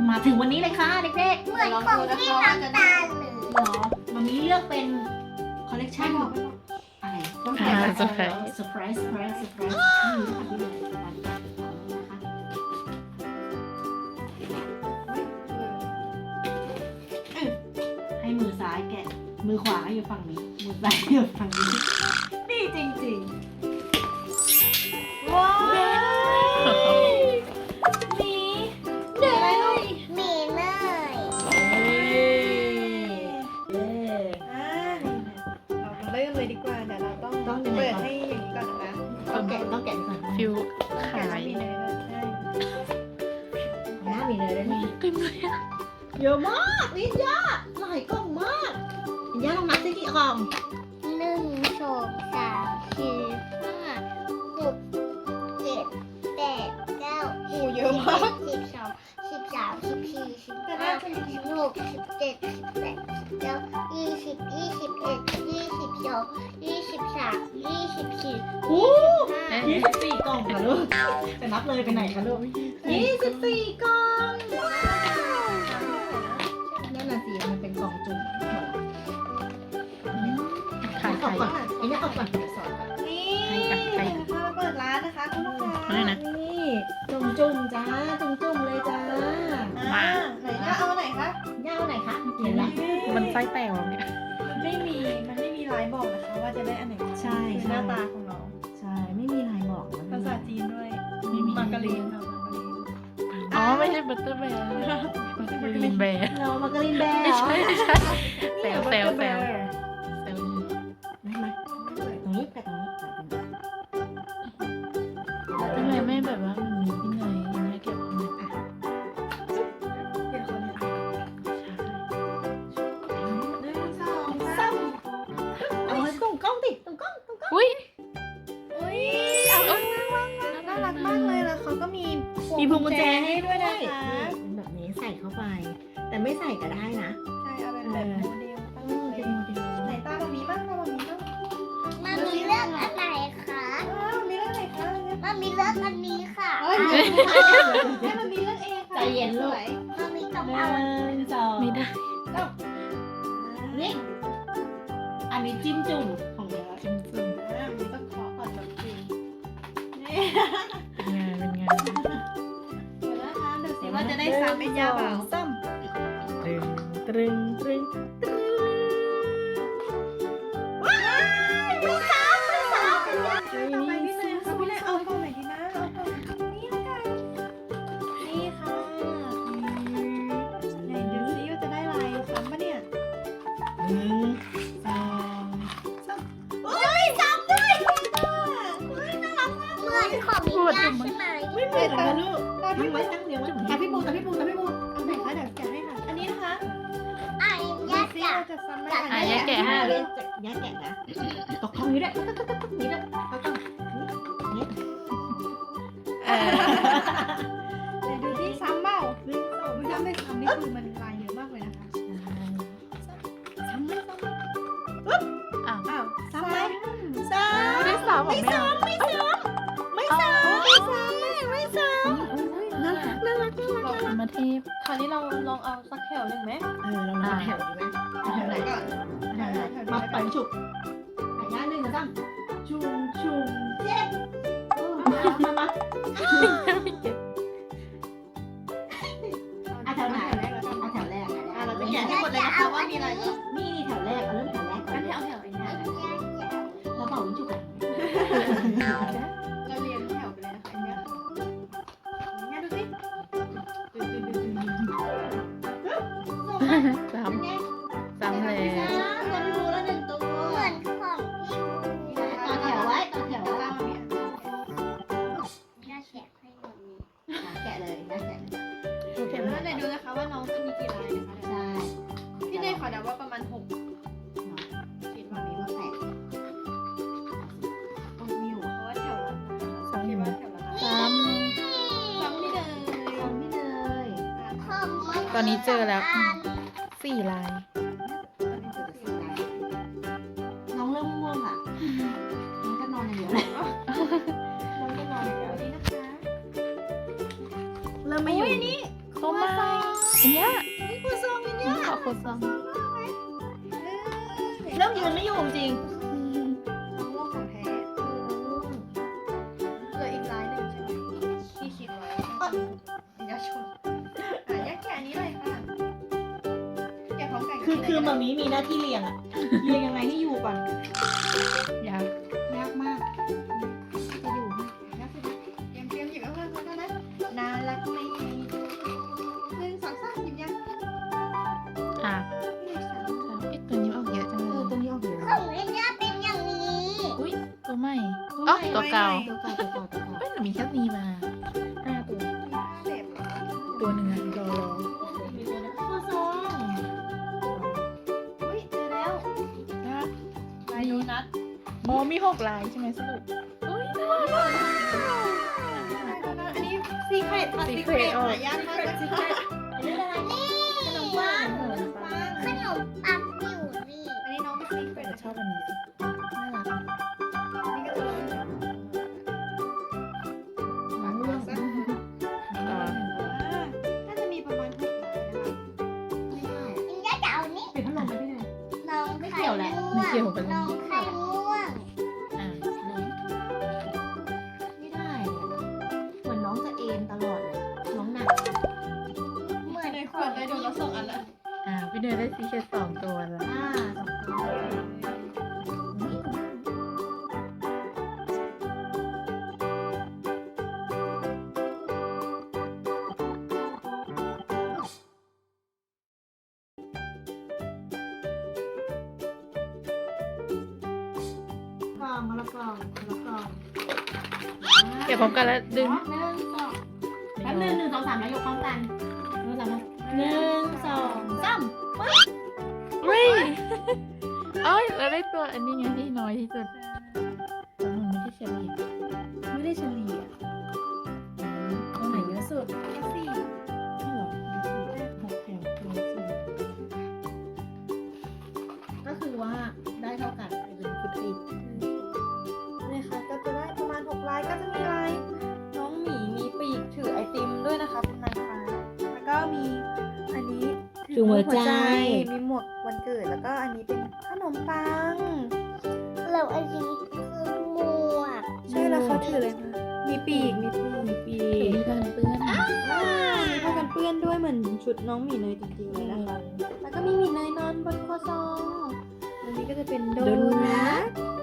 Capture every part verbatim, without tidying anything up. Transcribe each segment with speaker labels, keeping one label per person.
Speaker 1: มาถึงวันนี้เลยค่ะเด็กๆ
Speaker 2: เหมือนของที่น้ำตาลเลย
Speaker 1: เหรอวันนี้เลือกเป็นคอลเลกชันอะไรต้องแกะเซอร์ไพรส์เซอร์ไพรส์เซอร์ไพรส์เซอร์ไพรส์นี่ค่ะที่เลยการแกะของนี้นะคะให้มือซ้ายแกะมือขวาอยู่ฝั่งนี้มือซ้ายอยู่ฝั่งนี้นี่จริงๆว้าวมีเนย
Speaker 2: มีเนย
Speaker 3: อ่าเราเริ่มเลยดีกว่าเดี๋ยวเราต้อง
Speaker 1: ต้องยังไง
Speaker 3: เปิด
Speaker 1: ก่อน
Speaker 3: ให้อย่างนี้ก่อนนะ
Speaker 1: ต้องแกะต้องแกะก่อน
Speaker 4: ฟิว
Speaker 3: แกะ
Speaker 4: ขาย
Speaker 3: แล้วมีเนยด้วยใช่
Speaker 1: หน้ามีเนยด้วยนี่
Speaker 4: เต็มเลยอะ
Speaker 1: เยอะมากวิญญาหลายกล่องมากวิญญาลองนับสิกี่กล่อง
Speaker 2: หนึ่งสองสามสี่ห้าหกเจ็ดแปดเก้า
Speaker 3: โอ้เยอะมาก
Speaker 2: สิบสองสิบสามสิบสี่สิบห้าสิบหกสิบเจ็ดสิบแปดสิบเก้ายี่สิบยี่สิบเอ็ดยี่สิบสองยี่สิบสามยี่สิบสี่
Speaker 1: โอ้
Speaker 2: ห้า
Speaker 1: ยี่สิบสี่กล่องค่ะลูกจะนับเลยไปไหนคะลูกยี่สิบสี่กล่องนั่นน่ะสิมันเป็นกล่องจุ่ม
Speaker 4: ขาย
Speaker 1: ออก
Speaker 4: ขาย
Speaker 1: ก่อนไอ้นี่ออกก่อนเดี๋ยวสอนก่อน
Speaker 3: นี่
Speaker 4: ให้กับใคร
Speaker 3: เราเปิดร้านนะคะคุณลูกค้า
Speaker 4: อะไรนะ
Speaker 1: นี่จุ่มจุ่มๆจ้าจุ่มจุ่มๆเลยจ้า
Speaker 3: อ่าไหนจะเอาไหนคะ
Speaker 1: ย่าเอาไหนคะเห็นไหม
Speaker 4: มันไส้แตกแล้วเนี่ย
Speaker 3: ไม่มีมันไม่มีลายบอกนะคะว่าจะได้อันไหน
Speaker 1: ใช่
Speaker 3: คือห
Speaker 1: ใช่
Speaker 3: น้าตาของน้อง
Speaker 1: ใช่ไม่มีลายบอกนะ
Speaker 3: ภาษาจีนด้วยมาการีนค่ะมาการีน
Speaker 4: อ๋อไม่ใช่บัตเตอร์แบร์บัตเตอร์ลินแบร์
Speaker 1: เรามาการินแบร์
Speaker 4: ไม่
Speaker 1: เหรอ
Speaker 4: ใช่ไม่ใช่แซวแซวแซวแซว
Speaker 1: ไม่ไม่ตรงนี้แปะตรงนี้แปะตรงนี้
Speaker 4: ทำไมไม่แบบว่ามันมีที่ไหนอย่างเงี้ยเก็บไว้อ่ะ
Speaker 3: เดี๋ยวคนหนึ่งสอง
Speaker 1: ซ้ำเอาไว้ตรงกล้องติดตรงกล้องตรงกล้อง
Speaker 4: อุ้ย
Speaker 3: อุ้ยเอาน่ารักมากเลยแล้วเขาก็มี
Speaker 1: มีพวงกุญแจให้
Speaker 3: ให้
Speaker 1: ด้
Speaker 3: ด้
Speaker 1: ว
Speaker 3: วย ย
Speaker 1: นะ
Speaker 3: นะคะ คะ
Speaker 1: เป็นแบบนี้ใส่เข้าไป แต่ไม่ใส่ก็ได้นะ
Speaker 3: ใช่เอาเป็นแบบโมเดลตั้ง
Speaker 1: อืม
Speaker 3: เล
Speaker 1: เป็
Speaker 3: ย
Speaker 1: นโมเดล
Speaker 3: ไหนตาแบบนี้บ้างตาแบบนี้บ้าง
Speaker 2: มามีเลือกอันไหนคะ
Speaker 3: อ้าวมีเรื่องไหนคะ
Speaker 2: มามีเลือกอันนี้ค่ะ
Speaker 3: เอ้ย
Speaker 2: อ่ะ
Speaker 3: ให้มันมีเรื่องเองค่ะ
Speaker 1: ใจเย็นลูก
Speaker 3: สวย
Speaker 2: มามีต้อง
Speaker 1: ห
Speaker 2: เอาอัน
Speaker 1: นึ่งสอง
Speaker 4: ไม่ได้
Speaker 1: นี่อันนี้จิ้มจุ่มของเนื้อ
Speaker 4: จิ้มจุ่ม
Speaker 3: อ่ามีต้องขอก่อนแบบจริงนี่
Speaker 4: เป็นงานเป็นงาน
Speaker 3: เดี๋ยวนะคะดูสิว่าจะได้ซ้ำเป็นยาเปล่า
Speaker 1: ซ้ำตรึงตรึงตรึงว้ายไม่ซ้ำไม่ซ้ำ
Speaker 3: ต่อไปพี่เนยค่ะพี่เนยเอากล่องไหนดีนะเอากล่องนี่ละกันนี่ค่ะไหนดูซิว่าจะได้ลายซ้ำปะเนี่ย
Speaker 1: หนึ่งสองสามเฮ้ยซ้ำด้วยเฮ้ยน่ารักมาก
Speaker 2: เหมือนของมีญาใช่ไหม
Speaker 1: ไม่เหมือนกันลูก
Speaker 3: ตา
Speaker 1: ตั้
Speaker 3: พี่
Speaker 1: งไว้ตั้งเรียงไว้ตาพี่ปูตาพี่ปูตาพี่ปู
Speaker 3: เอาไหนคะเดี๋ยวแกะให้ค่ะ อันนี้นะคะ
Speaker 2: ไอ้
Speaker 3: ดู
Speaker 2: ญา
Speaker 3: ซิ
Speaker 2: จะ
Speaker 3: ว่าจะซ้ำไหม
Speaker 4: อ่ะแยกแกะให้
Speaker 1: เรียนจากแยกแกะนะตกท้องนี้ด้วยนี้ด้วยตกท้องนี้
Speaker 4: เออ
Speaker 3: เดี๋ยวดูที่ซ้ำเปล่าหนึ่งสองถ้าไม่ซ้ำนี่คือมันลายเยอะมากเลยนะคะ
Speaker 1: ซ้ำไม่ซ้ำ
Speaker 4: อ้าว
Speaker 3: อ้าวซ้ำไหม
Speaker 1: ซ้ำ
Speaker 4: ไม่ได้สาวผมไม่เอา
Speaker 1: ไม่ซ้ำไม่ซ้ำไม่ซ้ำไม่ซ้ำน่ารักน่ารักน่ารัก
Speaker 4: เอามาเทป
Speaker 3: คราวนี้เราลองเอาสักแถวหนึ่งไหม
Speaker 1: เออเรามาแถวดีไหมแถวไหน
Speaker 3: ก่อน
Speaker 1: แถวไหนมาไปฉุบหายาหนึ่งนะตั้งชุมชุมเจ็บมามาอ่ะแถวไหนอ่ะแถวแรก
Speaker 3: อ่ะเราจะแกะให้หมดเลยนะคะว่ามีอะไรบ้าง
Speaker 1: นี่นี่แถวแรกเอาเริ่มแถวแรกก่อ
Speaker 3: อั
Speaker 1: น
Speaker 3: นนี้เอาแถวนี้นะ
Speaker 1: แล้วเป่าวิจุกัน
Speaker 3: เราเรียงแถวไปเลยนะคะอันเนี้ยเนี่ยดูสิ
Speaker 4: ซ้ำซ้ำเลย
Speaker 1: ตัวพี่บูแล้วหนึ่งตัว
Speaker 2: เหมือนของที่
Speaker 1: ต่อแถวไว้ต่อแถว
Speaker 3: เอา
Speaker 1: ไว้
Speaker 3: ล่างเนี่ย
Speaker 2: ญาแกะให้หมดนี้
Speaker 1: แกะเลยนะแกะเลย
Speaker 3: เดี๋ยวเราจะดูนะคะว่าน้องจะมีกี่ลายนะคะ
Speaker 1: ใช่
Speaker 3: พี่เนยขอเดาว่าประมาณหกคิดว่ามี
Speaker 1: มาแตะต้นมิว
Speaker 3: เพราะว่าแถวละ
Speaker 4: ซ้ำอ
Speaker 3: คิด
Speaker 4: ยู่
Speaker 3: ว่า
Speaker 4: นะ
Speaker 3: แถวละ
Speaker 4: ซ้
Speaker 3: ซ้ำนี่เลย
Speaker 1: ทำไม่เลย
Speaker 2: ของมัน
Speaker 4: ำตอนนี้เจอแล้วสี่ลาย
Speaker 1: น้องเริ่มง่วงอ่ะน้องก็นอนอย่างเดียวเลย
Speaker 3: น้องจะนอนอย่างเดียวนี้นะคะ
Speaker 1: เริ่มไม่อยู่
Speaker 3: โอ้ยนี่ข
Speaker 4: ตัวใหม่อันเนี้ย
Speaker 3: นี่ครัวซองอันเนี้ย
Speaker 4: ขอโคซอง
Speaker 1: เริ่มยืนไม่อยู่จริง
Speaker 3: มะม่วงของแท้เหลืออีกร้านหนึ่งใช่ไหมที่คิดไว้ยาชนอ่ะยักแกะอันนี้เลยค่ะแกะพร้อมกัน
Speaker 1: คือคือมามีมีหน้าที่เรียงอะเรียงยังไงให้อยู่ก่อน
Speaker 4: ยาก
Speaker 1: ยากมากจะอยู่ไหมยากสิ
Speaker 3: เตรียมเตรียมหยิบเอาเลยแล้วนะน่ารักไหมหนึ่งสองสามหยิบยัง
Speaker 4: อ่ะ
Speaker 3: หนึ่งสาม
Speaker 4: เอ๊ะตัวนี้ออกเยอะจัง
Speaker 1: เอ
Speaker 4: เล
Speaker 1: อย ตัวนี้ออกเยอะ
Speaker 2: ของเล่นย่าเป็นอย่างนี้
Speaker 4: อุ้ยตัวใหม่อ๋อตัวเก่า
Speaker 1: ตัวเก่าตัวเก่าตัวเก่า
Speaker 4: เอ้ยหนูมีแค่นี้มาห้าตัว
Speaker 3: เด็บ
Speaker 4: ตัวหนึ่งอะรอรอ
Speaker 1: มีตัวนี้ข้อซอง
Speaker 3: อุ้ยเจอแล้ว
Speaker 4: นะ
Speaker 3: ลายโดนัท
Speaker 4: โมมีหกลายใช่ไหมสรุปอุ้ยน่ารัก
Speaker 3: ลายโดนัทอันนี้ซีเครตค่ะซีเครตหายากมากเลยค่ะ
Speaker 1: อันนี้อะไร
Speaker 2: นี่
Speaker 1: ขนมปัง
Speaker 3: ขนมปัง
Speaker 2: ขนมปังอยู่นี่
Speaker 3: อันนี้น้องไม่ซีเครต
Speaker 4: แต่ชอบอันนี้สิน่ารัก
Speaker 3: นี่ก็จะเป็น
Speaker 1: มะม่วง
Speaker 4: อ่า
Speaker 3: น่าจะมีประมาณหกลายนะคะ
Speaker 1: ไม่ได้
Speaker 2: อินย่าจะเอานี่
Speaker 1: ปิดพัดลมไปที่ไหน
Speaker 2: น้อง
Speaker 1: ไม่
Speaker 2: ไข่
Speaker 1: เกี่ยวแหละ
Speaker 2: ม่วง
Speaker 4: ไม่เกี่ยวกัน
Speaker 2: น้องไข่ม่วง
Speaker 4: อ่า
Speaker 1: ไม่ได้เหมือนน้องจะเอ็นตลอดเลยน้องหนัก
Speaker 2: เหมือน
Speaker 3: ในขวดได้โดนัทสองอันละ
Speaker 4: อ่าพี่เนยได้ซีเคทสองตัวละ
Speaker 1: อ่าสองตัวนี่ กล่องมาละกล่องมาละกล่อง
Speaker 4: เก็บพร้อมกันแล้วดึง
Speaker 1: หนึ่งสองแป๊บหนึ่งหนึ่งสองสามแล้วยกพร้อมกันหนึ่งสองหนึ่งสองสาม
Speaker 4: เฮ้ยเอ้ยเราได้ตัวอันนี้ไงที่น้อยที่สุดแต่มันไม่ได้เฉลี่ย
Speaker 1: ไม่ได้เฉลี่ยตัวไหนเยอะสุด
Speaker 3: สี่
Speaker 1: นี่หรอหกแถวตัวสี่ก็คือว่าได้เท่ากันเป็นฟุตอีก
Speaker 3: นี่ค่ะก็จะได้ประมาณหกลายก็จะมีลายน้องหมีมีปีกถือไอติมด้วยนะคะเป็นนางฟ้าแล้วก็มีอันนี้มีหมวกวันเกิดแล้วก็อันนี้เป็นขนมปัง
Speaker 2: แล้วอันนี้คือหมวก
Speaker 3: ใช่แล้วเขาถือเลยค่ะมีปีกมีปีกมีปี
Speaker 4: ถือก มีการเปื้อน
Speaker 3: อ่ามีผ้ากันเปื้อนด้วยเหมือนชุดน้องหมีเนยจริงๆเลยนะคะ แล้วก็มีหมีเนยนอนบนครัวซองอันนี้ก็จะเป็นโดนัท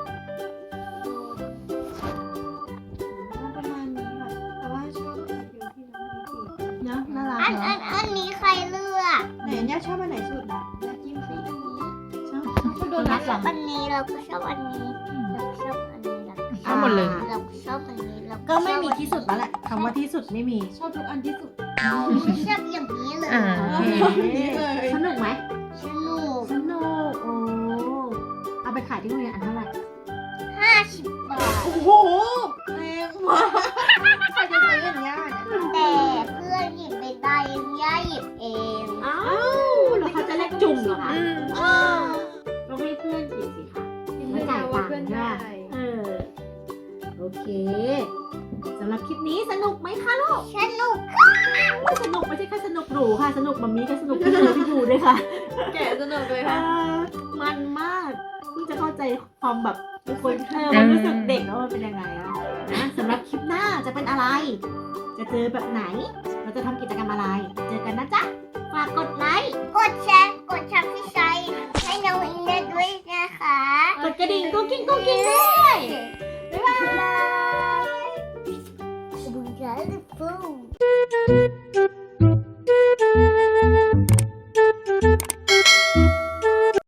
Speaker 3: ประมาณนี้ค่ะ แต่ว่าชอบอันเดียวที่น้องมีปีก
Speaker 1: เนาะน่ารัก
Speaker 2: อัน
Speaker 1: เนาะ
Speaker 2: อันอันนี้ใครเลือก
Speaker 3: ไหนย่าชอบอันไหนสุดนะย่าจิ้มซีอันนี้
Speaker 1: ชอบชอบโดนัทเหรอ
Speaker 2: อันนี้เราก็ชอบอันนี้เราก็ชอบอันนี้เราก็ช
Speaker 4: เอา
Speaker 2: อบ
Speaker 4: หมดเลย
Speaker 2: เราก็ชอบอันนี้เรา
Speaker 1: ก็ไม่มีที่สุดแล้วแหละคำว่าที่สุดไม่มี
Speaker 3: ชอบทุกอันที่สุด
Speaker 2: ไม่ชอบอย่างนี้เลย
Speaker 4: อ่า
Speaker 1: โอเค
Speaker 3: เลย
Speaker 1: สนุกไหม
Speaker 2: สนุก
Speaker 1: สนุกโอ้เอาไปขายที่โรงเรียนอันเท่าไหร่
Speaker 2: ห้าสิบบาท
Speaker 3: โอ้โหแรงมากใครจะซื้ออย่างเงี้ย
Speaker 2: แต่เพื่อนหยิบไม่ได้ย่าหยิบเอง
Speaker 1: อ้าวแล้วเขาจะเรียกจุ่มเหรอคะ
Speaker 4: อืม
Speaker 2: อ้าว
Speaker 1: ก็ให้เพื่อนหยิบสิคะ
Speaker 3: ไม่จ่ายว่าเพื่อนได้
Speaker 1: เออโอเคสำหรับคลิปนี้สนุกไหมคะลูก
Speaker 2: สนุก
Speaker 1: ไม่สนุกไม่ใช่แค่สนุกหรูค่ะ สนุกมัมมี่ก็สนุกพี่เธอพี่ดูด้วยค่ะ
Speaker 3: แกะสนุกเลย
Speaker 1: เอ
Speaker 3: ค่ะ
Speaker 1: อมันมากเพิ่งจะเข้าใจความแบบคนเธอมันรู้สึกเด็กแล้วมันเป็นยังไงอะนะสำหรับคลิปหน้าจะเป็นอะไร จะเจอแบบไหน เราจะทำกิจกรรมอะไร เจอกันนะจ๊ะ ฝากกดไลค์
Speaker 2: กดแชร์กดชับที่ใช้ให้น้องอินเดียด้วยนะคะ
Speaker 1: กดกระดิ่งกุ๊กกิ๊งกุ๊กกิ๊งด้วย
Speaker 2: บ๊ายบายบุญใจฟู